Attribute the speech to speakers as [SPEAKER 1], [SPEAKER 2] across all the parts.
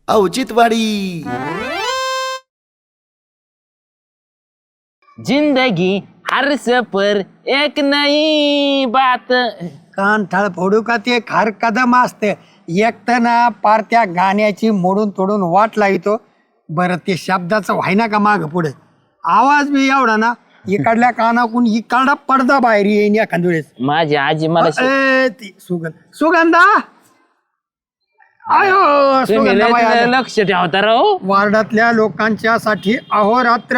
[SPEAKER 1] औचित्यवाडी.
[SPEAKER 2] जिंदगी हर सफर एक नई बात.
[SPEAKER 3] कान थाळ फोडू का ते खार कदम असते एकटं ना पार त्या गाण्याची मोडून तोडून वाट लावितो. बरं ते शब्दाचं व्हायना का माग पुढे आवाज बी एवढा ना इकडल्या कानाकून इकडा पडदा बाहेर येईन एखाद्या वेळेस.
[SPEAKER 2] माझी आजी मला
[SPEAKER 3] ती सुगंधा आयो
[SPEAKER 2] तुम्ही
[SPEAKER 3] सुगंधाबाई
[SPEAKER 2] लय
[SPEAKER 3] आल्या.
[SPEAKER 2] लक्ष ठेवता राव.
[SPEAKER 3] वार्डातल्या लोकांच्या साठी अहोरात्र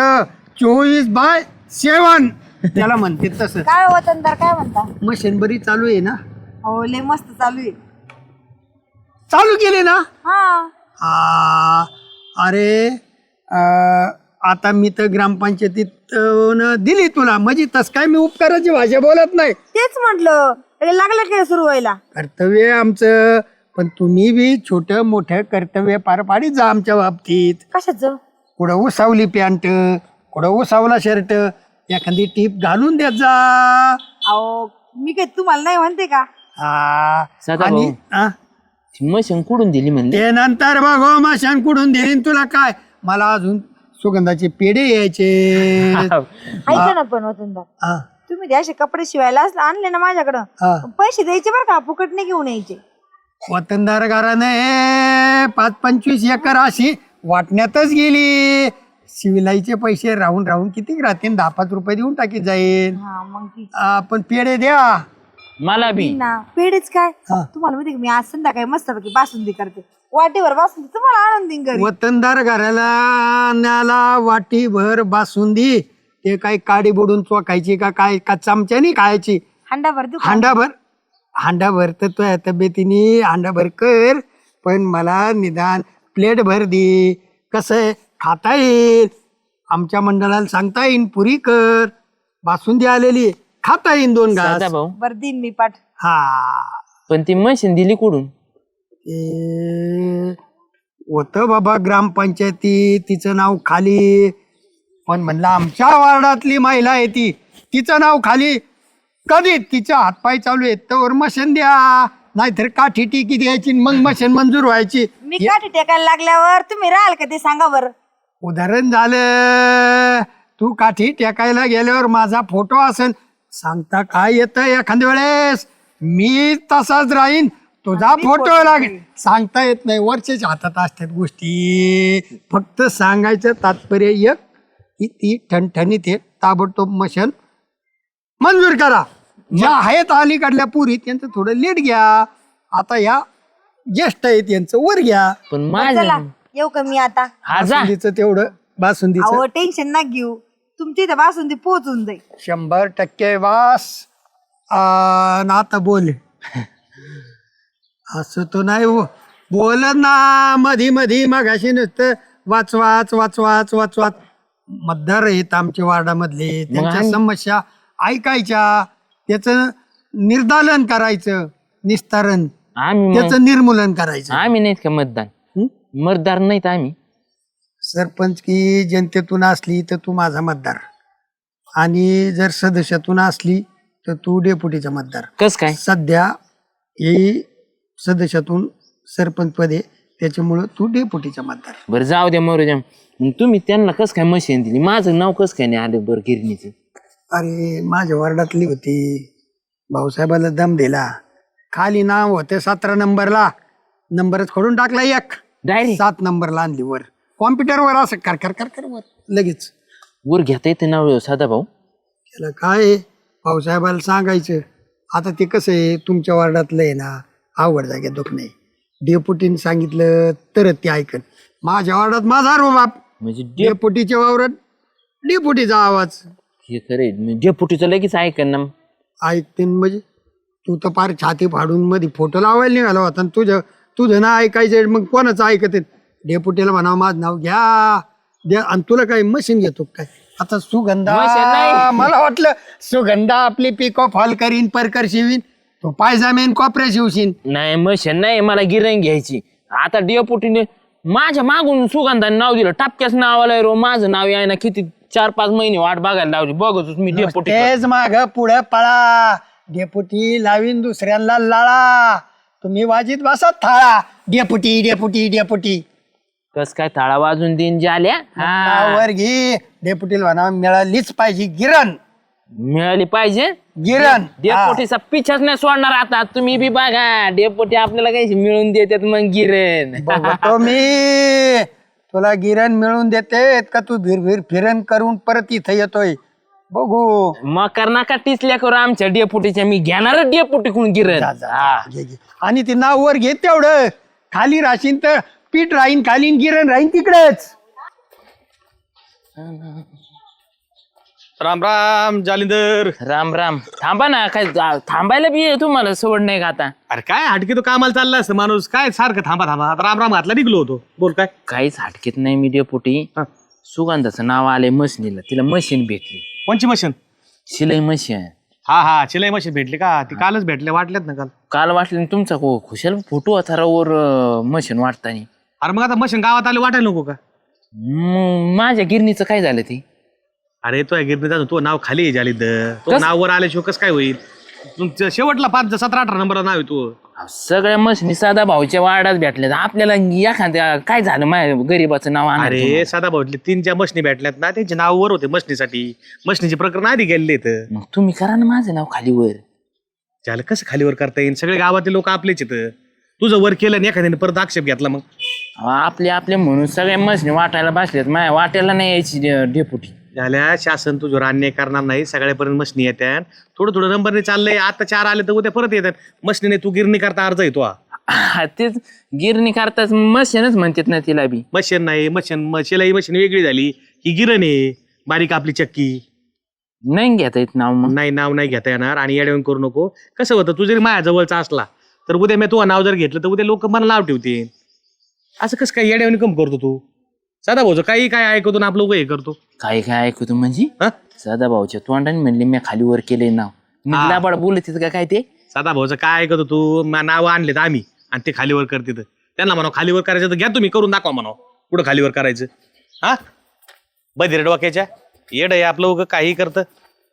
[SPEAKER 3] 24/7 त्याला म्हणते तसं.
[SPEAKER 4] काय वतनदार काय म्हणता?
[SPEAKER 3] मशीन बरी चालू आहे ना?
[SPEAKER 4] हो लय मस्त चालू आहे.
[SPEAKER 3] चालू केले ना?
[SPEAKER 4] हा
[SPEAKER 3] अरे आता मी तर ग्रामपंचायतीत दिली तुला म्हणजे तस काय मी उपकाराची भाषा बोलत नाही.
[SPEAKER 4] तेच म्हटलं लागलं काय सुरू व्हायला.
[SPEAKER 3] कर्तव्य आमचं पण तुम्ही बी छोटं मोठं कर्तव्य पार पाडीत जा आमच्या बाबतीत.
[SPEAKER 4] कशाचं?
[SPEAKER 3] कुठं उसावली पॅन्ट कुठं उसावला शर्ट एखादी टीप घालून देत जा.
[SPEAKER 4] अहो मी काय तुम्हाला नाही म्हणते का?
[SPEAKER 2] सदा
[SPEAKER 3] आणि
[SPEAKER 2] मशीन कुठून दिली म्हणले.
[SPEAKER 3] ते नंतर बघ माशान कुठून देईन तुला काय. मला अजून सुगंधाचे पेढे यायचे.
[SPEAKER 4] ऐका ना पण वतनदार तुम्ही ते असे कपडे शिवायला आणले ना माझ्याकडं पैसे द्यायचे बरं का फुकट नाही घेऊन यायचे.
[SPEAKER 3] वतनदार घराने 5-25 एकर अशी वाटण्यातच गेली. शिविलाईचे पैसे राहून राहून किती राहतील 10-5 रुपये देऊन टाकी जाईल.
[SPEAKER 4] हा मग ती
[SPEAKER 3] पण पेढे द्या
[SPEAKER 2] मला बी
[SPEAKER 4] ना पेढेच काय तुम्हाला माहिती मी आज संध्याकाळी मस्तपैकी बासुंदी करते. वाटेवर बासुंदी तुम्हाला आणून देईन घरी.
[SPEAKER 3] वतनदार घराला न्याला वाटीभर बासुंदी ते काय काडी बुडून चोखायची का चमच्यानी खायची.
[SPEAKER 4] हांडाभर देऊ का?
[SPEAKER 3] हांडाभर तर तुझ्या तब्येतीने हांडाभर कर पण मला निदान प्लेट भर दे. कसं आहे खाता येईल आमच्या मंडळाला सांगता येईन पुरी कर बासुंदी आलेली खाता येईन 2 घास.
[SPEAKER 2] सदा भाऊ
[SPEAKER 4] बरं देईन मी पाठ.
[SPEAKER 3] हा
[SPEAKER 2] पण ती मशीन दिली कुठून.
[SPEAKER 3] होतं बाबा ग्रामपंचायती तिचं नाव खाली पण म्हणलं आमच्या वार्डातली महिला आहे ती तिचं नाव खाली कधी तिच्या हातपाय चालू आहेत तर मशीन द्या नाहीतर काठी टिकी द्यायची मग मशीन मंजूर व्हायची.
[SPEAKER 4] मी काठी टेकायला लागल्यावर तुम्ही राहाल का ते सांगा बरं.
[SPEAKER 3] उदाहरण झालं तू काठी टेकायला गेल्यावर माझा फोटो असेल सांगता काय येतं एखाद्या वेळेस मी तसाच राहीन तुझा फोटो लागेल सांगता येत नाही. वरच्याच हातात असतात गोष्टी. फक्त सांगायचं तात्पर्य एक की ती ठणठणीत आहे ताबडतोब मशीन मंजूर करा. ज्या आहेत अलीकडल्या पुरी त्यांचं थोडं लेट घ्या. आता या ज्येष्ठ आहेत यांचं वर घ्या.
[SPEAKER 2] पण
[SPEAKER 4] चला
[SPEAKER 2] माझं
[SPEAKER 4] येऊ का मी आता.
[SPEAKER 3] बासुंदीचं तेवढं बासुंदीचं
[SPEAKER 4] अहो टेन्शन ना घेऊ तुमची इथं बासुंदी पोहोचून जाईल.
[SPEAKER 3] 100% वास. ना आता बोल असं तो नाही बोल ना मधी मधी मगाशी नुसतं वाच मतदार आहेत आमच्या वार्डामधले त्यांच्या समस्या ऐकायच्या त्याचं निर्दालन करायचं निस्तारण
[SPEAKER 2] आम्ही
[SPEAKER 3] त्याचं निर्मूलन करायचं.
[SPEAKER 2] आम्ही नाहीत का मतदान मतदार नाहीत आम्ही.
[SPEAKER 3] सरपंच की जनतेतून असली तर तू माझा मतदार आणि जर सदस्यातून असली तर तू डेप्युटीचा मतदार.
[SPEAKER 2] कस काय
[SPEAKER 3] सध्या ही सदस्यातून सरपंच पद आहे त्याच्यामुळं तू डेप्युटीचा मतदार.
[SPEAKER 2] बरं जाऊ द्या मरू द्या. मग तुम्ही त्यांना कस काय मशीन दिली माझं नाव कस काय नाही आलं बरं गिरणीचं.
[SPEAKER 3] अरे माझ्या वार्डातली होती भाऊसाहेबाला दम दिला खाली नाव होते 17 नंबरला नंबरच खोडून टाकला एक
[SPEAKER 2] डायरेक्ट
[SPEAKER 3] 7 नंबरला आणली वर कॉम्प्युटरवर असं कर वर लगेच
[SPEAKER 2] वर घेता येते नाव सदा भाऊ.
[SPEAKER 3] त्याला काय भाऊसाहेबाला सांगायचं. आता ते कसं आहे तुमच्या वार्डातलं आहे ना आवड जाग्यात दुख नाही डेपुटीने सांगितलं तरच ते ऐकन. माझ्या वार्डात माझा रो बाप
[SPEAKER 2] म्हणजे
[SPEAKER 3] डेपुटीच्या वावरात डेपुटीचा आवाज
[SPEAKER 2] हे खरे डेपुटीचं लगेच ऐकन ना.
[SPEAKER 3] ऐकते म्हणजे तू तर पार छाती फाडून मध्ये फोटो लावायला निघाला होता आणि तुझं ना ऐकायचं मग कोणाचं ऐकत डेपुटीला म्हणावं माझं नाव द्या आणि तुला काय मशीन घेतो काय. आता
[SPEAKER 2] मशीन
[SPEAKER 3] सुगंधा
[SPEAKER 2] नाही.
[SPEAKER 3] मला वाटलं सुगंधा आपली पिको फॉल करीन परकर शिवीन तो पायजामेन कॉपऱ्या शिवशीन.
[SPEAKER 2] नाही मशीन नाही मला गिरण घ्यायची. आता डेपुटीने माझ्या मागून सुगंधाने नाव दिलं टापक्याच नाव आलंय रो माझं नाव याय ना किती 4-5 महिने वाट बघायला लावली बघत मी डेपुटी.
[SPEAKER 3] तेच माग पुढे पळा डेपुटी लावीन दुसऱ्यांना लाळा तुम्ही वाजीत बसत थाळा डेपुटी डेपुटी डेपुटी
[SPEAKER 2] कस काय थाळा वाजून देईन जाल्या हा
[SPEAKER 3] वर घे डेपुटीला म्हणा मिळालीच पाहिजे गिरण
[SPEAKER 2] मिळाली पाहिजे.
[SPEAKER 3] गिरण
[SPEAKER 2] डेपोटीचा पिछाच नाही सोडणार आता. तुम्ही बी बघा डेपोटी आपल्याला काही मिळून देतात मग गिरण.
[SPEAKER 3] बघतो मी तुला गिरण मिळून देते का तू भिरभिर फिरण करून परत इथं येतोय बघू.
[SPEAKER 2] मग कर नका टिचल्या करू आमच्या डेपोटीच्या. मी घेणार डेपोटी कोण गिरण.
[SPEAKER 3] जा, जा, जा. घे, घे. आणि ते नाव वर घे तेवढं खाली राशीन तर पीठ राहीन खाली गिरण राहीन तिकडेच.
[SPEAKER 1] राम राम जालिंदर.
[SPEAKER 2] राम राम. थांबा ना काय थांबायला बी तुम्हाला सवड नाही का आता.
[SPEAKER 1] अरे काय हटके तो कामाला चालला असतं माणूस काय सारखं थांबा थांबा. आता राम राम हातला निघलो होतो. बोल काय.
[SPEAKER 2] काहीच हटकेत नाही मी डेपोटी.
[SPEAKER 1] हा.
[SPEAKER 2] सुगंधाचं नाव आलंय मशीनीला. तिला मशीन भेटली.
[SPEAKER 1] कोणची मशीन.
[SPEAKER 2] शिलाई मशीन.
[SPEAKER 1] हा शिलाई मशीन भेटली का. ती कालच भेटले वाटल्यात ना काल.
[SPEAKER 2] काल वाटलं तुमचा खुशाल फोटो होता वर मशीन वाटतानी.
[SPEAKER 1] अरे मग आता मशीन गावात आले वाटायला नको का.
[SPEAKER 2] माझ्या गिरणीचं काय झालं ते.
[SPEAKER 1] अरे तो गिरणीचा तो नाव खाली आहे जालिंदर. तो
[SPEAKER 2] कस?
[SPEAKER 1] नाव वर आल्याशिवाय कसं काय होईल. तुमचं शेवटला 5 17 18 नंबरला नाव आहे तू.
[SPEAKER 2] सगळ्या मशीनी साधा भाऊच्या वाड्यात भेटल्या. आपल्याला एखाद्या काय झालं माझ्या गरीबाचं नाव आणायचं
[SPEAKER 1] अरे
[SPEAKER 2] म्हणून.
[SPEAKER 1] साधा भाऊतले 3 ज्या मशनी भेटल्यात ना त्यांचे नाव वर होते मशनीसाठी. मशनीचे प्रकरण आधी गेलेले तर
[SPEAKER 2] मग तुम्ही करा ना माझं नाव खाली वर.
[SPEAKER 1] झालं कसं खालीवर करता येईल. सगळे गावातले लोक आपलेच येतं. तुझं वर केलं आणि एखाद्याने परत आक्षेप घेतला मग.
[SPEAKER 2] आपले म्हणून सगळ्या मशीनी वाटायला बसल्यात. माझ्या वाट्याला नाही यायची डेपुटी.
[SPEAKER 1] झाल्या शासन तुझ्यावर अन्याय करणार नाही. सगळ्यापर्यंत मशनी येतात. थोडं थोडं नंबरने चाललंय. आता 4 आले तर उद्या परत येतात. मशनीने तू गिरणी करता अर्ज येतो.
[SPEAKER 2] तेच गिरणी करताच मशीनच म्हणतात ना तिला बी.
[SPEAKER 1] मशीन नाही शिलाई मशीन वेगळी झाली. ही गिरण आहे बारीक आपली चक्की.
[SPEAKER 2] नाही घेता येत नाव मग.
[SPEAKER 1] नाही नाव नाही घेता येणार. आणि येड्यावून करू नको. कसं होतं तू जरी माझ्या जवळचा असला तर उद्या मी तुझं नाव जर घेतलं तर उद्या लोक मला नाव ठेवतील. असं कसं काय येड्यावणी कम करतो तू. साधा भाऊचं काही काय ऐकतो ना आपलं हे करतो.
[SPEAKER 2] काय काय ऐकतो म्हणजे
[SPEAKER 1] हा
[SPEAKER 2] सदा भाऊच्या तोंडाने म्हणले मी खाली वर केलंय नाव. मी
[SPEAKER 1] हा.
[SPEAKER 2] लाबाड बोलत का काय ते.
[SPEAKER 1] साधा भाऊचं काय ऐकतो तू. नाव आणलेत आम्ही आणि ते खालीवर करते. त्यांना म्हणा खालीवर करायचं तर घ्या तुम्ही करून दाखवा म्हणा. कुठं खालीवर करायचं. हा बधिर डोक्याच्या येड आहे आपलं उगं काही करतं.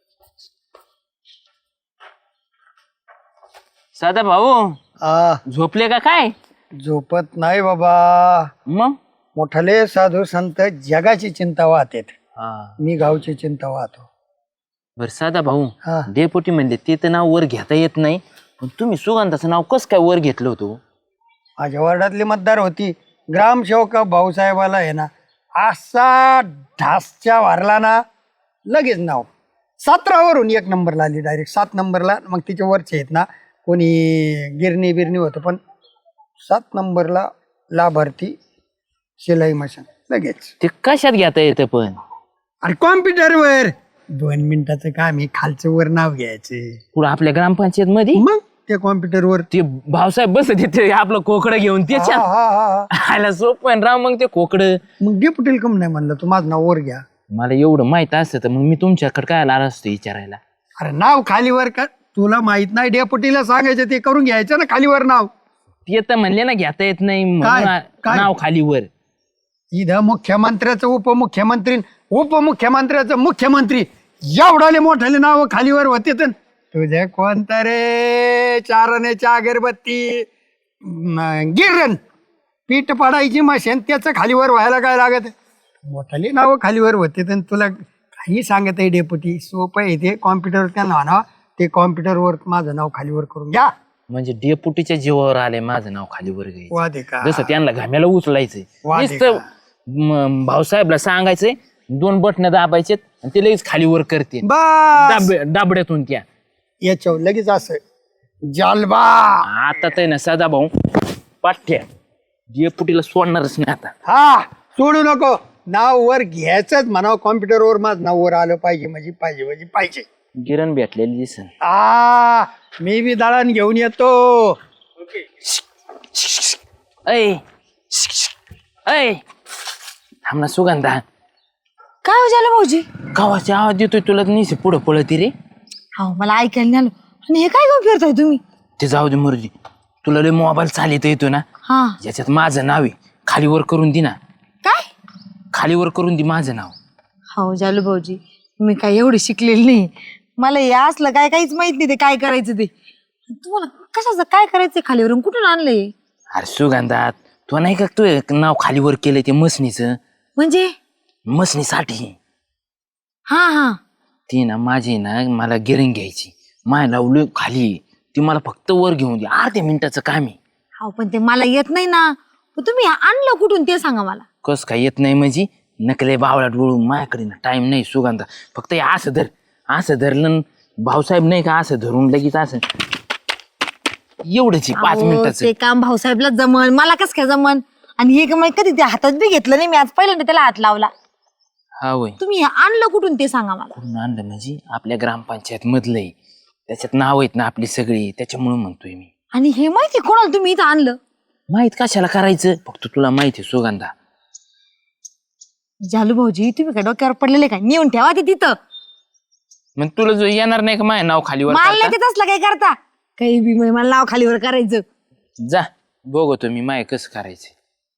[SPEAKER 2] सदा भाऊ झोपले का काय.
[SPEAKER 3] झोपत नाही बाबा.
[SPEAKER 2] मग
[SPEAKER 3] मोठाले साधू संत जगाची चिंता वाहतेत. मी गावची चिंता वाहतो.
[SPEAKER 2] बर साधा भाऊ
[SPEAKER 3] हा.
[SPEAKER 2] डेपोटी म्हणले ते तर नाव वर घेता येत नाही. पण तुम्ही सुगंधाचं नाव कसं काय वर घेतलं होतं.
[SPEAKER 3] माझ्या वार्डातली मतदार होती ग्रामसेवक भाऊसाहेबाला आहे ना असा ढासच्या वारला ना लगेच नाव 17 वरून 1 नंबरला आली डायरेक्ट 7 नंबरला. मग तिच्या वरचे आहेत ना कोणी गिरणी बिरणी होतं पण 7 नंबरला लाभार्थी शिलाई मशीन लगेच.
[SPEAKER 2] ते कशात घेता येतं पण.
[SPEAKER 3] अरे कॉम्प्युटरवर 2 मिनिटाचं काम आहे. खालचं वर नाव घ्यायचे
[SPEAKER 2] पुढे आपल्या ग्रामपंचायत मध्ये
[SPEAKER 3] मग त्या कॉम्प्युटरवर
[SPEAKER 2] ते भाऊसाहेब बसत येते आपलं कोकडं घेऊन त्याच्यात आयला सोपं आहे राव. मग ते कोकडं
[SPEAKER 3] मग डेप्युटील कम नाही म्हणलं तू माझं नाव वर घ्या.
[SPEAKER 2] मला एवढं माहित असतं तर मग मी तुमच्याकडे काय आला असतो विचारायला.
[SPEAKER 3] अरे नाव खालीवर कर. तुला माहित नाही डेप्युटीला सांगायचं ते करून घ्यायचं ना खालीवर नाव.
[SPEAKER 2] ते तर म्हणले ना घेता येत नाही
[SPEAKER 3] काय?
[SPEAKER 2] म्हणून
[SPEAKER 3] काय?
[SPEAKER 2] नाव खाली वर.
[SPEAKER 3] इथं मुख्यमंत्र्याचं उपमुख्यमंत्र्याचं मुख्यमंत्री एवढाले मोठाले नाव खालीवर होते तर तुझे कोणतं रे चारण्याच्या अगरबत्ती गिरण पीठ पडायची मशीन त्याचं खालीवर व्हायला काय लागत. मोठाले नाव खालीवर होते तर तुला काही सांगत आहे डेप्युटी. सोपं आहे ते. कॉम्प्युटरवर त्यांना म्हणावं ते कॉम्प्युटरवर माझं नाव खालीवर करून घ्या.
[SPEAKER 2] म्हणजे डेपुटीच्या जीवावर आले माझं नाव खाली वर घ्यायचं.
[SPEAKER 3] वा दे का
[SPEAKER 2] जसं त्यांना घाम्याला उचलायचंय.
[SPEAKER 3] वा
[SPEAKER 2] नुसतं भाऊसाहेबला सांगायचंय 2 बटणं दाबायचे आणि ते लगेच खाली वर करते
[SPEAKER 3] बस
[SPEAKER 2] डाबड्यातून त्या.
[SPEAKER 3] याच्यावर लगेच असं जालबा.
[SPEAKER 2] आता तर ना सदा भाऊ पाठ्या डेपुटीला सोडणारच नाही आता.
[SPEAKER 3] हा सोडू नको. नाव वर घ्यायचंच म्हणावं. कॉम्प्युटरवर माझं नाव वर आलं पाहिजे म्हणजे पाहिजे.
[SPEAKER 2] गिरण भेटलेली दिसन.
[SPEAKER 3] मी बी दळण घेऊन येतो.
[SPEAKER 2] ऐ ऐ थांब ना सुगंधा.
[SPEAKER 4] काय हो झालं भाऊजी.
[SPEAKER 2] गावाचा आवाज देतोय तुला निसे पुढं पळती रे.
[SPEAKER 4] हो मला ऐकायला नाही आलं. आणि हे काय घेऊन फिरताय तुम्ही.
[SPEAKER 2] ते जाऊ दे मुरुजी. तुला लय मोबाईल चालत येतो ना
[SPEAKER 4] हा
[SPEAKER 2] ज्याच्यात माझं नाव आहे खालीवर करून दे ना.
[SPEAKER 4] काय.
[SPEAKER 2] खालीवर करून दे माझं नाव.
[SPEAKER 4] हो झालं भाऊजी मी काय एवढी शिकलेली नाही. मला हे असलं काय काहीच माहित नाही ते काय करायचं ते. तुम्हाला कशाचं काय करायचं खालीवरून कुठून आणलंय.
[SPEAKER 2] अरे सुगंधात तो नाही का तू एक नाव खालीवर केलंय ते मसनीचं
[SPEAKER 4] म्हणजे
[SPEAKER 2] मसनीसाठी
[SPEAKER 4] हा हा
[SPEAKER 2] ती ना माझी ना मला गिरिंग घ्यायची माय लावली खाली ती मला फक्त वर घेऊन दे अर्ध्या मिनिटाचं काम आहे.
[SPEAKER 4] हो पण ते मला येत नाही ना. पण तुम्ही आणलं कुठून ते सांगा मला.
[SPEAKER 2] कस काय येत नाही म्हणजे नकले बावळा डोळून माझ्याकडे ना टाइम नाही सुगंधा फक्त हे असं धरलं न भाऊसाहेब नाही का असं धरून लगेच असं एवढंच 5
[SPEAKER 4] अहो,
[SPEAKER 2] मिनिटाचं.
[SPEAKER 4] ते काम भाऊसाहेबला जमन मला कस काय जमन. आणि हे काम कधी ते हातात बी घेतलं नाही मी आज पहिल्यांदा त्याला हात लावला.
[SPEAKER 2] हा होय
[SPEAKER 4] तुम्ही हे आणलं कुठून ते सांगा मला.
[SPEAKER 2] कुठून आणलं म्हणजे आपल्या ग्रामपंचायत मधलंय त्याच्यात नाव आहेत ना आपली सगळी त्याच्यामुळे म्हणतोय मी.
[SPEAKER 4] आणि हे माहिती कोणाला तुम्ही इथं आणलं.
[SPEAKER 2] माहित कशाला करायचं फक्त तुला माहिती आहे सुगंधा.
[SPEAKER 4] जालू भाऊजी तुम्ही काय डोक्यावर पडलेले काय नेऊन ठेवा ते तिथं.
[SPEAKER 2] मग तुला जो येणार नाही का माझ्या नाव खालीवर
[SPEAKER 4] मला
[SPEAKER 2] करता?
[SPEAKER 4] नाही ते तसलं काय करता काही बी म्हणजे मला नाव खालीवर करायचं.
[SPEAKER 2] जा बघतो मी माय कसं करायचं.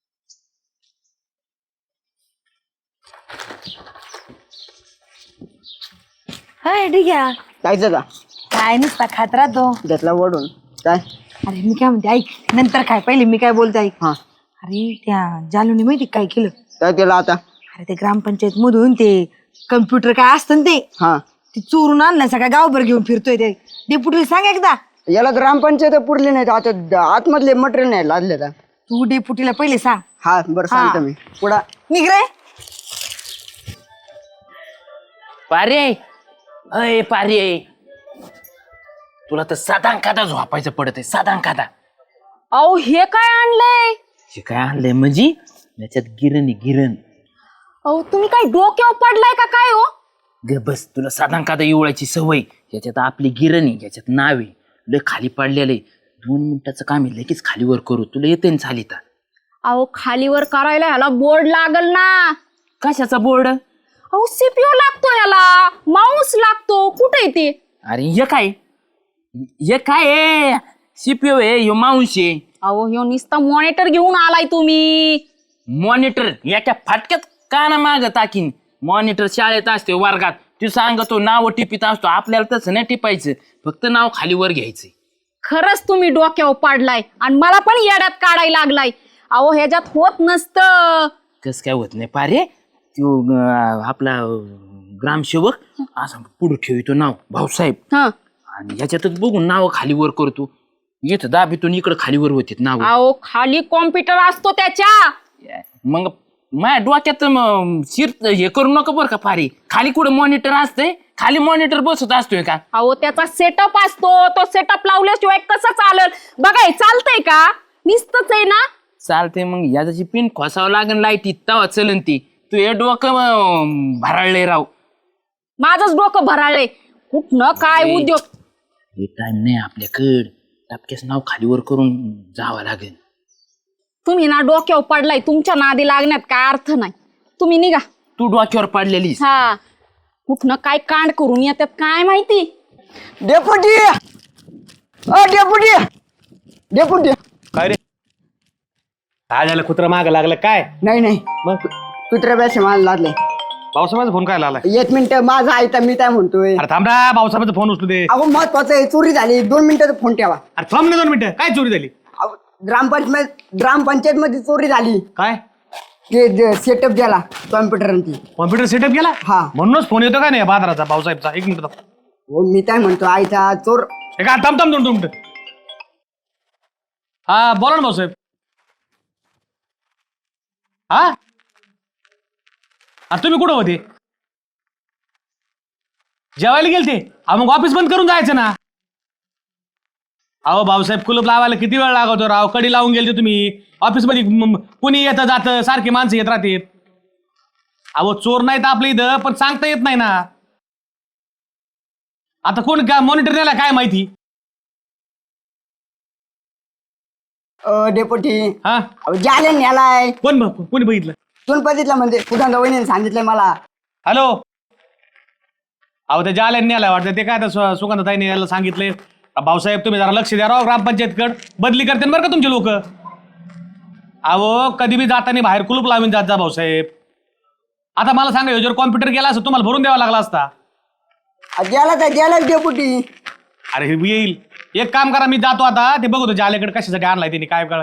[SPEAKER 4] हाय ठीक आहे.
[SPEAKER 5] काय का
[SPEAKER 4] काय नुसता खात राहतो.
[SPEAKER 5] घेतला वडून काय
[SPEAKER 4] अरे मी काय म्हणते ऐक नंतर काय पहिले मी काय बोलते ऐक.
[SPEAKER 5] हा
[SPEAKER 4] अरे त्या जालूने माहिती काय केलं.
[SPEAKER 5] काय केलं आता
[SPEAKER 4] अरे ते ग्रामपंचायत मधून ते कम्प्युटर काय असतं ना
[SPEAKER 5] हा
[SPEAKER 4] ते चोरून आणलं सगळ्या गावभर घेऊन फिरतोय ते. डेप्युटीला सांग एकदा.
[SPEAKER 5] याला ग्रामपंचायत पुरली नाही आता आतमधले मटेरियल नाही लादले का
[SPEAKER 4] तू डेप्युटीला पहिले सांग.
[SPEAKER 5] हा बरं सांगतो मी पुढा
[SPEAKER 4] निघ रे.
[SPEAKER 2] पारे अय पारे तुला तर साधा अंकादा झोपायचं पडत आहे साधा अंकादा.
[SPEAKER 4] अहो हे काय आणलंय.
[SPEAKER 2] हे काय आणलंय म्हणजे याच्यात गिरण
[SPEAKER 4] अहो तुम्ही काय डोक्यावर पडलाय का काय हो.
[SPEAKER 2] ग बस तुला साधा अंकादा इवळायची सवय. याच्यात आपली गिरणी याच्यात नावे लय खाली पडलेले 2 मिनिटाचं काम आहे लगेच खालीवर करू तुला येते ना चालिता.
[SPEAKER 6] अहो खालीवर करायला ह्याला बोर्ड लागल ना.
[SPEAKER 2] कशाचा बोर्ड.
[SPEAKER 6] अहो सीपीयू लागतो याला माऊस लागतो कुठे ते.
[SPEAKER 2] अरे हे काय आहे सीपीओ आहे ह्यो माऊस आहे.
[SPEAKER 6] अहो ह्यो नुसता मॉनिटर घेऊन आलाय तुम्ही.
[SPEAKER 2] मॉनिटर याच्या फाटक्यात काना माग टाकीन. मॉनिटर शाळेत असते वर्गात तू सांगतो नाव टिपित असतो आपल्याला तसं नाही टिपायचं फक्त नाव खालीवर घ्यायचं.
[SPEAKER 6] खरंच तुम्ही डोक्यावर पाडलाय आणि मला पण येड्यात काढायला लागलाय. अहो ह्याच्यात होत नसतं.
[SPEAKER 2] कस काय होत नाही पारे तो आपला ग्रामसेवक असं पुढे ठेवतो नाव भाऊसाहेब
[SPEAKER 6] हं.
[SPEAKER 2] आणि ह्याच्यातच बघून नाव खालीवर करतो येत दाबीतून इकडं खालीवर होते नाव.
[SPEAKER 6] अहो खाली कॉम्प्युटर असतो त्याच्या.
[SPEAKER 2] मग माझ्या डोक्यात शिर हे करू नका बरं का पारे खाली कुठं मॉनिटर असतंय खाली मॉनिटर बसत असतोय का.
[SPEAKER 6] अहो त्याचा सेटअप असतो तो सेटअप लावल्याशिवाय कसं चालेल. बघाय चालतंय का नुसतंच आहे ना.
[SPEAKER 2] चालते मग याची पिन खोसावं लागेल लाईटीत तवा चलन ती तू हे डोकं भराळले राव.
[SPEAKER 6] माझंच डोकं भराळलंय कुठनं काय उद्योग.
[SPEAKER 2] हे टाइम नाही आपल्याकडं टपक्याच नाव खालीवर करून जावं लागेल.
[SPEAKER 6] तुम्ही ना डोक्यावर पडलाय तुमच्या नादी लागण्यात काय अर्थ नाही. तुम्ही निघा.
[SPEAKER 2] तू डोक्यावर पडलेलीस.
[SPEAKER 6] हा कुठनं काय कांड करून येतात काय माहिती.
[SPEAKER 5] डेपुटी डेपुटी
[SPEAKER 1] काय रे काय झालं कुत्रा माग लागलं काय.
[SPEAKER 5] नाही
[SPEAKER 1] मग
[SPEAKER 5] कुत्र्या बॅस मला लादले
[SPEAKER 1] भाऊसाहेबांचा फोन काय आला.
[SPEAKER 5] 1 मिनिट माझा आहे तर मी काय म्हणतोय
[SPEAKER 1] अरे थांब रा भाऊसाहेबांचा फोन उचलू दे.
[SPEAKER 5] अहो महत्वाचं आहे चोरी झाली 2 मिनिटाचा फोन ठेवा.
[SPEAKER 1] अरे थांब ना 2 मिनिटं काय चोरी झाली.
[SPEAKER 5] अहो, ग्रामपंचायत मध्ये चोरी झाली.
[SPEAKER 1] काय
[SPEAKER 5] ते सेटअप द्याला कॉम्प्युटर
[SPEAKER 1] कॉम्प्युटर सेटअप केला.
[SPEAKER 5] हा.
[SPEAKER 1] म्हणूनच फोन येतो का नाही बाजाराचा भाऊसाहेबचा. 1 मिनिट थांब.
[SPEAKER 5] हो मी काय म्हणतो आईचा चोर
[SPEAKER 1] हे काय थांब 2 मिनिटं. हा बोला ना भाऊसाहेब. हा अरे तुम्ही कुठं होते जेवायला गेलते. मग ऑफिस बंद करून जायचं ना. अहो भाऊसाहेब कुलूप लावायला किती वेळ लागवतो राव. कडी लावून गेलते तुम्ही ऑफिस मध्ये कुणी येतं जातं सारखी माणसं येत राहते. अहो चोर नाहीत आपल्या इथं पण सांगता येत नाही ना. आता कोण काय मॉनिटर द्यायला काय माहिती.
[SPEAKER 5] डेपुटी
[SPEAKER 1] हा
[SPEAKER 5] जाले न्यालाय
[SPEAKER 1] कोणी बघितलं.
[SPEAKER 5] गणपतीतला म्हणजे सुगंधा वहिनीने सांगितलंय मला.
[SPEAKER 1] हॅलो अहो त्या जाल्याने आला वाटतं ते काय आता सुगंधाताईने यायला सांगितले. भाऊसाहेब तुम्ही जरा लक्ष द्या राव ग्रामपंचायतकड बदली करते बरं का तुमचे लोक. अहो कधी बी जाताना बाहेर कुलूप लावून जात जा भाऊसाहेब. आता मला सांगा जर कॉम्प्युटर गेला असं तुम्हाला भरून द्यावा लागला असता.
[SPEAKER 5] द्याला डेपुटी.
[SPEAKER 1] अरे हे येईल एक काम करा मी जातो आता ते बघतो जाल्याकडे कशासाठी आणलाय त्यांनी काय कळ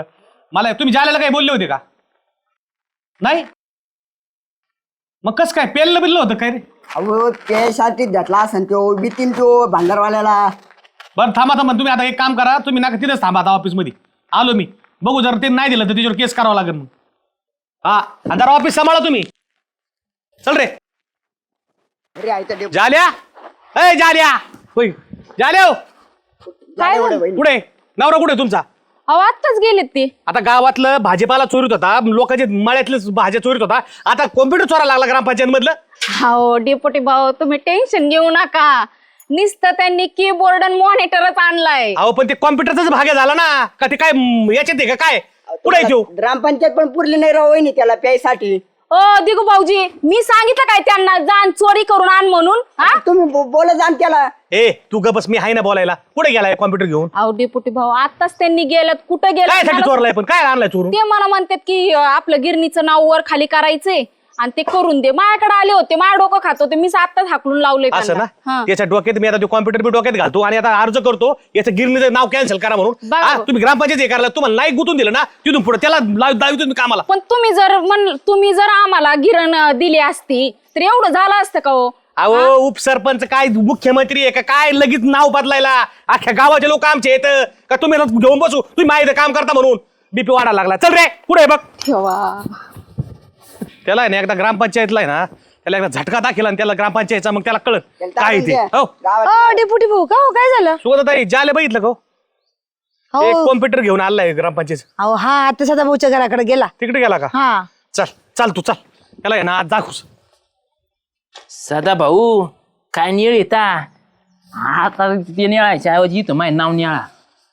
[SPEAKER 1] मला तुम्ही जायला काही बोलले होते का? नाही मग कस काय पेललं बिललं होतं काय रे?
[SPEAKER 5] अहो त्यासाठी घेतला असेल तो बितीन तो भांडारवाल्याला.
[SPEAKER 1] बरं थांबा तुम्ही आता एक काम करा, तुम्ही नका तिथेच थांबा आता ऑफिसमध्ये. आलो मी, बघू जर ते नाही दिलं तर त्याच्यावर केस करावं लागेल मग. हा जरा ऑफिस सांभाळा तुम्ही. चल रे
[SPEAKER 5] अरे आहे तर
[SPEAKER 1] जाल्या. ए जाल्या, होय जाल्या हो. कुठे नवरा कुठे तुमचा?
[SPEAKER 6] अहो आत्ताच गेलेत ते.
[SPEAKER 1] आता गावातलं भाजीपाला चोरीत होता, लोकांचे मळ्यातले भाज्या चोरीत होता, आता कॉम्प्युटर चोरा लागला ग्रामपंचायत मधलं.
[SPEAKER 6] हो डेपुटी भाऊ तुम्ही टेन्शन घेऊ नका. नुसतं त्यांनी कीबोर्ड आणि मॉनिटरच आणलाय.
[SPEAKER 1] अहो पण ते कॉम्प्युटरचाच भाग्य झाला ना का? ते काय याच्यात आहे का काय? कुठे येऊ?
[SPEAKER 5] ग्रामपंचायत पण पुरली नाही राव वहिनी त्याला प्यायसाठी.
[SPEAKER 6] ओ दिगू भाऊजी मी सांगितलं काय त्यांना जाण चोरी करून आण म्हणून? हा
[SPEAKER 5] तुम्ही बोला जाण त्याला.
[SPEAKER 1] ए तू ग बस, मी आहे ना बोलायला. कुठे गेलाय कॉम्प्युटर घेऊन?
[SPEAKER 6] अहो डेपुटी भाऊ आताच त्यांनी गेल्यात. कुठं
[SPEAKER 1] काय साठी
[SPEAKER 6] गेलं
[SPEAKER 1] चोरलाय पण? काय आणलाय चोरून?
[SPEAKER 6] ते मला म्हणतात की आपलं गिरणीचं नाव वर खाली करायचंय आणि ते करून दे. माझ्याकडे आले होते, माझ्या डोकं खात होते, मी आत्ताच हाकलून लावले
[SPEAKER 1] असं ना, त्याच्या डोक्यात मी आता ते कॉम्प्युटर बी डोक्यात घालतो आणि आता अर्ज करतो याचं गिरणीचं नाव कॅन्सल करा म्हणून.
[SPEAKER 6] बघा.
[SPEAKER 1] हा, तुम्ही ग्रामपंचायत हे करायला तुम्हाला नाही गुतून दिलं ना, तिथून पुढे त्याला दावी तुम्ही कामाला.
[SPEAKER 6] पण तुम्ही जर आम्हाला गिरण दिली असती तर एवढं झालं असतं का हो?
[SPEAKER 1] अहो उपसरपंच काय मुख्यमंत्री आहे का काय लगेच नाव बदलायला? अख्ख्या गावाचे लोक आमचे येत का? तुम्ही घेऊन बसू, तुम्ही माहिती काम करता म्हणून बीपी वाढायला लागला. चल रे पुढे बघ.
[SPEAKER 6] ठेवा.
[SPEAKER 1] त्याला आहे ना एकदा ग्रामपंचायतला आहे ना, त्याला एकदा झटका दाखला आणि त्याला ग्रामपंचायतचा मग त्याला कळत काय ते. हो
[SPEAKER 4] डेपुटी भाऊ का हो काय झालं?
[SPEAKER 1] सुगंधाताई जाले बघितलं का हो? एक
[SPEAKER 4] हो
[SPEAKER 1] कॉम्प्युटर घेऊन आलाय ग्रामपंचायत.
[SPEAKER 4] अहो हा आता सदा भाऊच्या घराकडे गेला.
[SPEAKER 1] तिकडे गेला का?
[SPEAKER 4] हा
[SPEAKER 1] चल तू चल, त्याला आहे ना आज दाखवूस.
[SPEAKER 2] सदा भाऊ काय निळ येता आता ते निळायच्या ऐवजी इथं माझं नाव निळा.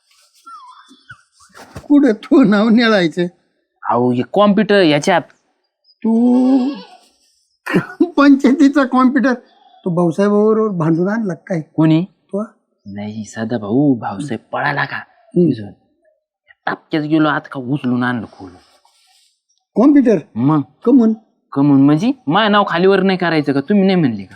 [SPEAKER 3] कुठं तू नाव निळायचं?
[SPEAKER 2] अहो हे कॉम्प्युटर याच्यात.
[SPEAKER 3] तू पंचायतीचा कॉम्प्युटर तू भाऊसाहेबाबरोबर भांडून आणला काय?
[SPEAKER 2] कोणी?
[SPEAKER 3] तू
[SPEAKER 2] नाही सदा भाऊ, भाऊसाहेब पळाला का तिथून. टापक्यात गेलो आता का उचलून आणलं खोल.
[SPEAKER 3] कॉम्प्युटर
[SPEAKER 2] मग
[SPEAKER 3] कमून
[SPEAKER 2] कमून म्हणजे माझं नाव खालीवर नाही करायचं का? तुम्ही नाही म्हणले का?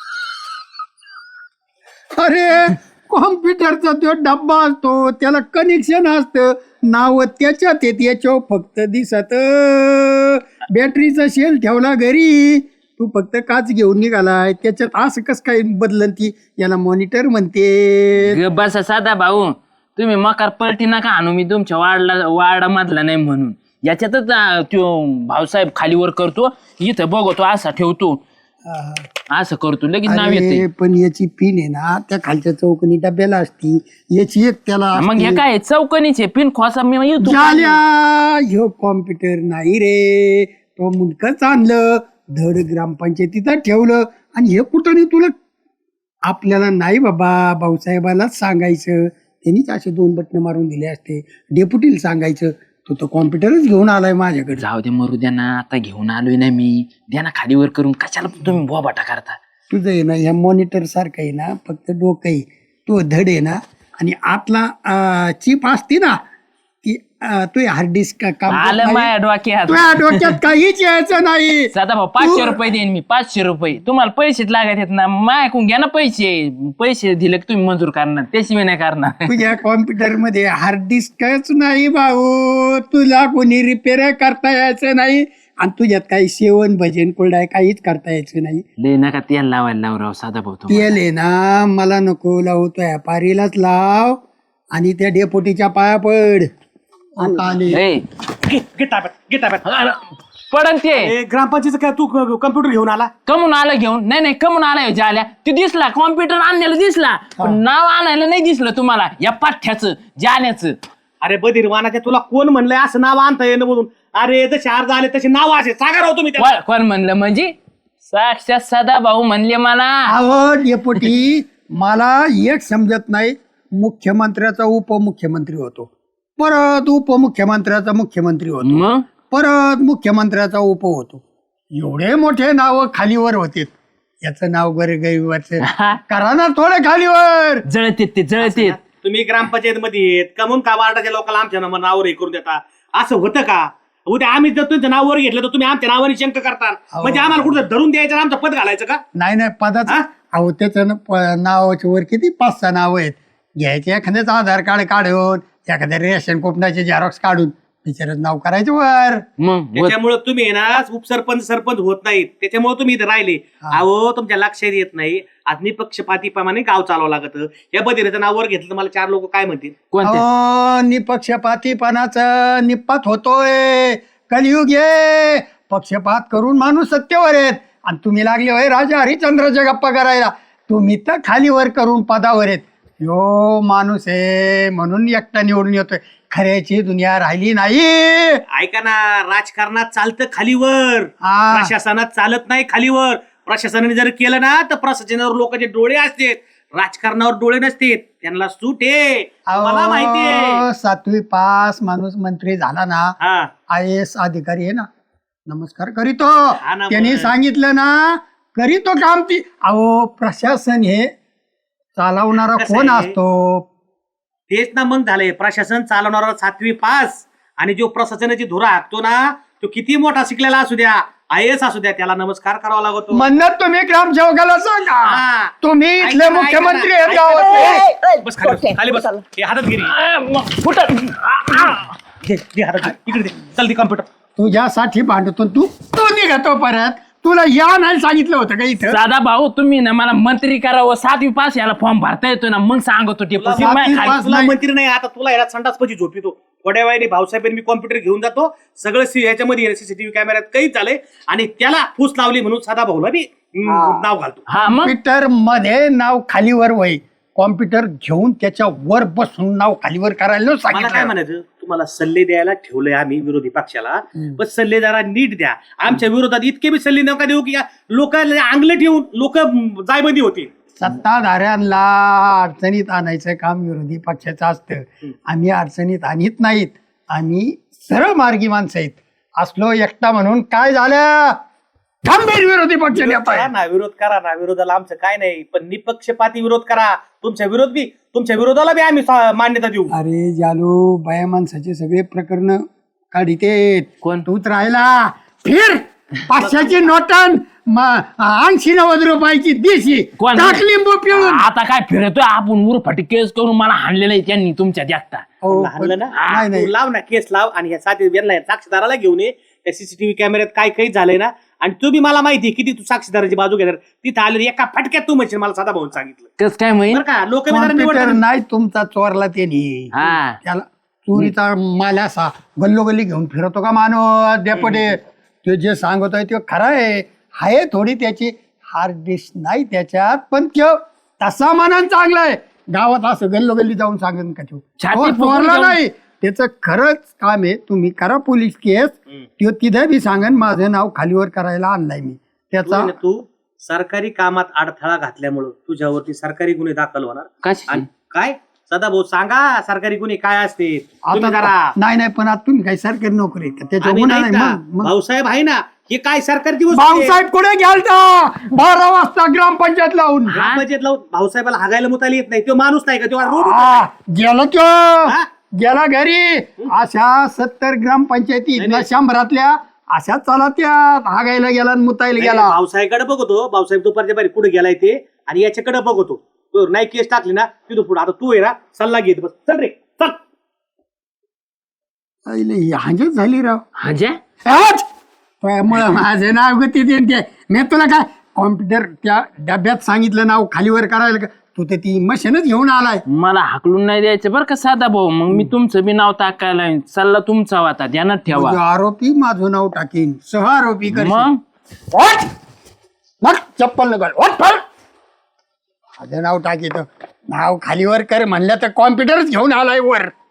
[SPEAKER 3] अरे कॉम्प्युटरचा तो डब्बा असतो, त्याला कनेक्शन असतं, नाव त्याच्यात येत, याच्यावर फक्त दिसत. बॅटरीचा शेल ठेवला घरी, तू फक्त काच घेऊन निघालाय, त्याच्यात असं कसं काय बदलन? ती याला मॉनिटर म्हणते.
[SPEAKER 2] ग बसा साधा भाऊ, तुम्ही मकार पलटी नका आणू. मी तुमच्या वार्डामधला नाही म्हणून. याच्यातच तो भाऊसाहेब खालीवर करतो, इथं बघतो असा ठेवतो, असं करतो, लगेच नाव
[SPEAKER 3] अरे,
[SPEAKER 2] येते.
[SPEAKER 3] पण याची पिन आहे ना त्या खालच्या चौकनी डब्याला असती, याची एक त्याला
[SPEAKER 2] मग हे काय चौकणीचे पिन खोसा मी येतो.
[SPEAKER 3] झाल्या. ह्यो कॉम्प्युटर नाही रे, तो मुंडकच आणलं, धड ग्रामपंचायतीत ठेवलं. आणि हे कुठं नाही तुला? आपल्याला नाही बाबा, भाऊसाहेबालाच सांगायचं, त्यांनीच असे 2 बटणं मारून दिले असते. डेप्युटीला सांगायचं, तो तो कॉम्प्युटरच घेऊन आलाय माझ्याकडे.
[SPEAKER 2] जाऊ दे मरू द्या ना, आता घेऊन आलोय ना मी. द्या ना खालीवर करून, कशाला तुम्ही बोबाटा करता?
[SPEAKER 3] तुझं आहे ना ह्या मॉनिटर सारखं आहे ना, फक्त डोकं आहे, तो धड आहे ना, आणि आतला चिप असते ना ती, तू हार्ड डिस्क
[SPEAKER 2] आलं माझ्या डोक्यात.
[SPEAKER 3] तुझ्या डोक्यात काहीच यायचं नाही.
[SPEAKER 2] साधा भाऊ 500 रुपये देईन मी, 500 रुपये. तुम्हाला पैसेच लागत आहेत ना, मायकून घ्या ना पैसे दिले की तुम्ही मंजूर करणार, त्याशिवाय नाही करणार.
[SPEAKER 3] तुझ्या कॉम्प्युटर मध्ये हार्ड डिस्कच नाही भाऊ, तुला कोणी रिपेअर करता यायचं नाही, आणि तुझ्यात काही सेवन भजन कोरडाय काहीच करता यायचं नाही.
[SPEAKER 2] लय नका तेल लावायला लाव राव साधा भाऊ.
[SPEAKER 3] तेल आहे ना, मला नको लावू, तो व्यापारीलाच लाव आणि त्या डेपोटीच्या पाया पड. आता आले.
[SPEAKER 2] पडन ते.
[SPEAKER 1] ग्रामपंचायत काय तू कम्प्युटर घेऊन आला?
[SPEAKER 2] कमून आलं घेऊन? नाही कमून आलाय जाल्या. ते दिसला कॉम्प्युटर आणलेलं दिसला, पण नाव आणायला नाही दिसलं तुम्हाला या पाठ्याचं जाल्याचं.
[SPEAKER 1] अरे बधीर वानाच्या, तुला कोण म्हणलंय असं नाव आणता येणं म्हणून? अरे जसे अर्ज आले तसे नाव असे सांगा राव तुम्ही त्याला.
[SPEAKER 2] कोण म्हणलं म्हणजे? साक्षात सदा भाऊ म्हणले मला.
[SPEAKER 3] अहो डेपोटी, मला एक समजत नाही, मुख्यमंत्र्याचा उपमुख्यमंत्री होतो, परत उपमुख्यमंत्र्याचा मुख्यमंत्री होतो,
[SPEAKER 2] मग
[SPEAKER 3] परत मुख्यमंत्र्याचा उप होतो. एवढे मोठे नाव खालीवर होते, याचं नाव गरीबाचं करा ना थोडं खालीवर.
[SPEAKER 2] जळतेत ते जळतेत.
[SPEAKER 1] तुम्ही ग्रामपंचायत मध्ये येत कमून का वार्डाच्या लोकांना आमच्या नावावर हे करून देता? असं होतं का? उद्या आम्ही जर तुमच्या नावावर घेतलं तर तुम्ही आमच्या नावाने शंक करता, म्हणजे आम्हाला कुठं धरून द्यायचं, आमचं पद घालायचं का?
[SPEAKER 3] नाही पदाचं. अहो त्याचं नावाच्या वर किती 5-6 नाव आहेत. घ्यायचे एखाद्याचं आधार कार्ड काढून, एखाद्या रेशन कुपनाचे झेरॉक्स काढून बिचारच नाव करायचं वर.
[SPEAKER 2] मग
[SPEAKER 1] त्याच्यामुळे तुम्ही आहे ना उपसरपंच सरपंच होत नाहीत, त्याच्यामुळे तुम्ही इथे राहिले. अहो तुमच्या लक्षात येत नाही, आज निपक्षपातीप्रमाणे गाव चालवावं लागत. या बदिराचं नावावर घेतलं तर मला 4 लोक काय म्हणतील?
[SPEAKER 2] कोणते?
[SPEAKER 3] निपक्षपातीपणाचं निपात होतोय. कलियुग ये, पक्षपात करून माणूस सत्तेवर आहेत आणि तुम्ही लागले होय राजा हरिश्चंद्राच्या गप्पा करायला. तुम्ही तर खालीवर करून पदावर आहेत. यो माणूस आहे म्हणून एकटा निवडून येतोय. खऱ्याची दुनिया राहिली नाही.
[SPEAKER 1] ऐका ना, राजकारणात चालतं खालीवर,
[SPEAKER 3] हा.
[SPEAKER 1] प्रशासनात चालत नाही खालीवर. प्रशासनाने जर केलं ना तर प्रशासनावर लोकांचे डोळे असतात, राजकारणावर डोळे नसतात. त्यांना सूट आहे, मला माहिती आहे.
[SPEAKER 3] 7वी पास माणूस मंत्री झाला ना,
[SPEAKER 1] हा
[SPEAKER 3] IAS अधिकारी आहे ना, नमस्कार करीतो.
[SPEAKER 1] ना,
[SPEAKER 3] त्यांनी
[SPEAKER 1] मग.
[SPEAKER 3] सांगितलं ना करीतो काम ती. अहो प्रशासन हे चालवणारा
[SPEAKER 1] कसं
[SPEAKER 3] कोण
[SPEAKER 1] आहे?
[SPEAKER 3] असतो?
[SPEAKER 1] तेच ना मग झालंय, प्रशासन चालवणारा 7वी पास आणि जो प्रशासनाची धुरा हाकतो ना तो किती मोठा शिकलेला असू द्या, IAS असू द्या, त्याला नमस्कार करावा लागतो.
[SPEAKER 3] म्हणत तुम्ही ग्रामसेवकाला सांगा
[SPEAKER 1] हा.
[SPEAKER 3] तुम्ही इथले
[SPEAKER 1] ऐका ना,
[SPEAKER 3] मुख्यमंत्री
[SPEAKER 1] ऐका
[SPEAKER 3] आहेत
[SPEAKER 1] ना,
[SPEAKER 3] गावातले.
[SPEAKER 1] बस खाली बस, खाली बस. हे हातात गिरी घे हातात घे. इकडे दे. चल ती कॉम्प्युटर.
[SPEAKER 3] तुझ्यासाठी भांडतो तू निघतो परत. तुला या नाही सांगितलं होतं का इथं?
[SPEAKER 2] दादा भाऊ तुम्ही ना मला मंत्री करावं, 7वी पास याला फॉर्म भरता येतो ना, मग सांगतो ते
[SPEAKER 1] तुला
[SPEAKER 2] पशी माय खाली.
[SPEAKER 1] तुला मंत्री नाही, आता तुला याला संडासपची झोप येतो. थोड्या वेळाने भाऊसाहेबांनी मी कॉम्प्युटर घेऊन जातो, सगळं ह्याच्यामध्ये सीसीटीव्ही कॅमेऱ्यात काही झालंय आणि त्याला फूस लावली म्हणून साधा भाऊला मी नाव घालतो.
[SPEAKER 2] हा मग
[SPEAKER 3] कॉम्प्युटर मध्ये नाव खालीवर वय, कॉम्प्युटर घेऊन त्याच्या वर बसून नाव खालीवर करायला
[SPEAKER 1] मला काय
[SPEAKER 3] सांगितलं.
[SPEAKER 1] म्हणायचं, तुम्हाला सल्ले द्यायला ठेवलंय आम्ही विरोधी पक्षाला, पण सल्ले जरा नीट द्या. आमच्या विरोधात इतके बी सल्ले नका देऊ की लोकांना अंगले ठेवून लोक जायबंदी होती.
[SPEAKER 3] सत्ताधाऱ्यांना अडचणीत आणायचं काम विरोधी पक्षाचं असतं. आम्ही अडचणीत आणत नाहीत, आम्ही सरळ मार्गी माणसं आहेत. असलो एकटा म्हणून काय झालं? गंभीर विरोधी पक्ष नेता
[SPEAKER 1] करा
[SPEAKER 3] आहे.
[SPEAKER 1] ना, विरोध करा ना, विरोधाला आमचं काय नाही, पण निपक्षपाती विरोध करा. तुमच्या विरोधाला बी आम्ही मान्यता देऊ.
[SPEAKER 3] अरे जालू, बाया माणसाचे सगळे प्रकरण काढितेत.
[SPEAKER 2] कोण?
[SPEAKER 3] तूच राहिला फिर 500ची नोटन 80-90 रुपयाची देशी
[SPEAKER 2] कोण?
[SPEAKER 3] टाक लिंबू पिळून.
[SPEAKER 2] आता काय फिरतोय आपण उरफाटी केस करून मला हाणलेलं आहे त्यांनी तुमच्या जागता.
[SPEAKER 3] हो,
[SPEAKER 1] हाणलं ना,
[SPEAKER 3] नाही, नाही.
[SPEAKER 1] तू लाव ना, केस लाव आणि ह्या साक्षीदाराला घेऊन ये. त्या सीसीटीव्ही कॅमेऱ्यात काय काही झालंय ना, आणि तू बी मला माहिती किती तू साक्षीदाराची बाजू घेणार. तिथं आले एका फटक्यात तू म्हणशील मला साधा भाऊन सांगितलं.
[SPEAKER 2] कस काय माहित?
[SPEAKER 1] बरं का, लोक
[SPEAKER 3] कॉम्प्युटर नाही तुमचा चोरला त्यांनी.
[SPEAKER 2] हा
[SPEAKER 3] त्याला चोरीचा माल असा गल्लोगल्ली घेऊन फिरतो का माणूस डेपुटे? ते जे सांगतोय ते खरं आहे थोडी त्याची हार्ड डिस्क नाही त्याच्यात, पण तो तसा मानान चांगला आहे. गावात असं गल्लोगल्ली जाऊन सांगेन का तो
[SPEAKER 2] छाती
[SPEAKER 3] तो
[SPEAKER 2] फुगून
[SPEAKER 3] चोरला
[SPEAKER 2] जाऊन-
[SPEAKER 3] नाही. त्याचं खरंच काम आहे. तुम्ही करा पोलीस केस, तो तिथे बी सांगेन माझं नाव खालीवर करायला आणलाय मी. त्याचा
[SPEAKER 1] तू सरकारी कामात अडथळा घातल्यामुळं तुझ्यावरती सरकारी गुन्हे दाखल होणार.
[SPEAKER 2] कशी?
[SPEAKER 1] आणि काय सदा भाऊ सांगा, सरकारी गुन्हे काय असते तुम्ही
[SPEAKER 3] आता
[SPEAKER 1] करा.
[SPEAKER 3] नाही नाही, पण आता तुम्ही काही सरकारी नोकरी आहे का? त्याच्या
[SPEAKER 1] आम्ही
[SPEAKER 3] गुन्हा
[SPEAKER 1] नाहीत
[SPEAKER 3] नाही.
[SPEAKER 1] का?
[SPEAKER 3] मग
[SPEAKER 1] भाऊसाहेब आहे ना, हे काय सरकारची वस्तू आहे?
[SPEAKER 3] भाऊसाहेब कुठे गेलता 12 वाजता ग्रामपंचायत लावून?
[SPEAKER 1] ग्रामपंचायत लावून भाऊसाहेबाला हागायला मुतायला येत नाही. तो माणूस नाही का, तो रोड
[SPEAKER 3] गेला तो
[SPEAKER 1] हा?
[SPEAKER 3] गेला घरी. अशा 70 ग्रामपंचायती
[SPEAKER 1] नाही, नाही.
[SPEAKER 3] 100 अशा चला त्या हागायला गेला आणि मुतायला गेला.
[SPEAKER 1] भाऊसाहेबकडे बघतो, भाऊसाहेब दुपारच्या बाहेर कुठे गेलाय ते, आणि याच्याकडे बघतो. तो नाही केस टाकली ना तिथं पुढे. आता तू आहे ना, सल्ला घेत बस. चल रे चल.
[SPEAKER 3] हांजच झाली राव.
[SPEAKER 2] हाजे
[SPEAKER 3] त्यामुळं माझं नाव गती ते मी तुला काय कॉम्प्युटर त्या डब्यात सांगितलं नाव खालीवर करायला का? तू ते ती मशीनच घेऊन आलाय.
[SPEAKER 2] मला हाकलून नाही द्यायचं बरं का साधा भाऊ. मग मी तुमचं बी नाव टाकायला लावीन. सल्ला तुमचा होता, ध्यानात ठेवा.
[SPEAKER 3] म्हणजे आरोपी माझं नाव टाकीन, सह आरोपी कर.
[SPEAKER 2] मग
[SPEAKER 3] चप्पल नका माझं नाव टाकीत. नाव खालीवर कर म्हणलं तर कॉम्प्युटरच घेऊन आलाय वर.